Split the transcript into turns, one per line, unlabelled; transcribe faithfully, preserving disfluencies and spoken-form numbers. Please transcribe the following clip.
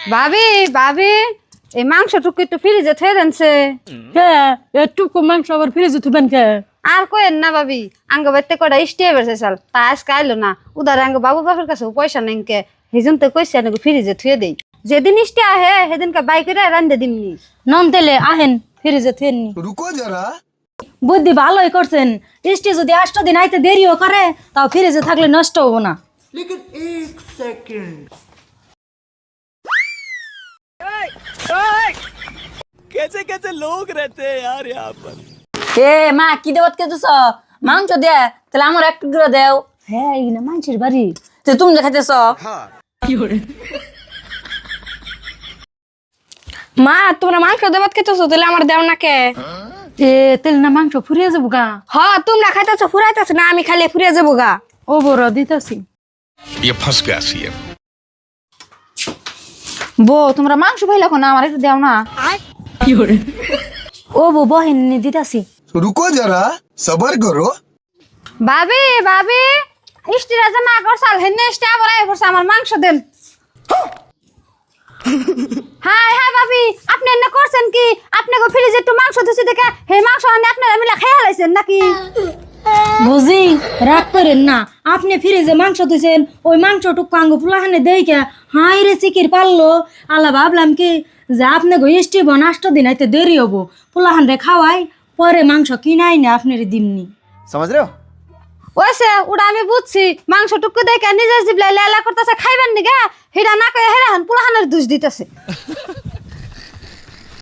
ভাবি ভাবি এই মাংসটুকু একটু ফ্রিজে থয়ে দেনছে।
কে এটুকু মাংস আবার ফ্রিজে থুবেন কে?
আর কইেন না ভাবি, আঙ্গ বাড়িতে কটা স্টে বেড়েছে চাল তা আজকে আইলো না। উদারে আঙ্গ বাবু বাপের কাছে পয়সা নেই কে, সেজন তো কইছে আঙ্গ ফ্রিজে থুয়ে দেই। যেদিন স্টে আহে সেদিনকে বাইকে রান্ধে দিমনি।
নন তেলে আহেন ফ্রিজে থুয়েননি।
रुको जरा।
বুদ্ধি ভালোই করছেন। ইষ্টি যদি আষ্ট দিন আইতে দেরিও করে তাও ফ্রিজে থাকলে নষ্ট হবো না।
लेकिन एक सेकंड कैसे कैसे लोग रहते हैं यार यहाँ पर।
এ মা কি দেবত কে তুস মাংস দে তাহলে আমার একটু করে দেও। হ্যাঁ এই না মাংসের বাড়ি তো তুমি দেখাইতেছ।
মা তোমরা মাংস দেবাত খেতেছো তাহলে আমার দেও না কে?
এ তেল না মাংস ফুরিয়ে যাবো গা।
হ তোমরা খাইতেছো ফুরাইতেছো না, আমি খালি ফুরিয়ে যাবো গা।
ও বড় দিতেছি।
ये फंस गया सीएम।
বো তোমরা মাংস পাইলে না আমার একটু দেও না। ও বো বহিন দিতেছি।
रुको जरा सबर करो।
ভাবি ভাবি স্টিরা জামা করছাল হেনে স্টে আবার আই পড়ছে, আমার মাংস দেন। হাই হাই ভাবি, আপনি এনে করছেন কি? আপনি গো ফ্রিজে একটু মাংস দিছি দেখে হে মাংস আনে আপনারা মিলা খেয়ে হালাইছেন নাকি?
বুঝি রাগ করেন না, আপনি ফ্রিজে মাংস দিয়েছেন ওই মাংসটুকু আঙ্গ ফুলাহানে দেইকে হাই রে চিকির পারলো। আলা ভাবলাম কি যে আপনি গো ইষ্টি বনাষ্ট দিন আইতে দেরি হবো, ফুলাহান রে খাওয়াই পরে মাংস কিনাই না আপনার দিমনি।
समझ रहे हो?
ওইসে ওটা আমি বুঝছি, মাংসটুকু দেখে নিজের জিবলাই লেলা করতেছে খাইবেন নি গা, হিডা না কয়ে হেরা হান পুলাহানের দুষ দিতেছে।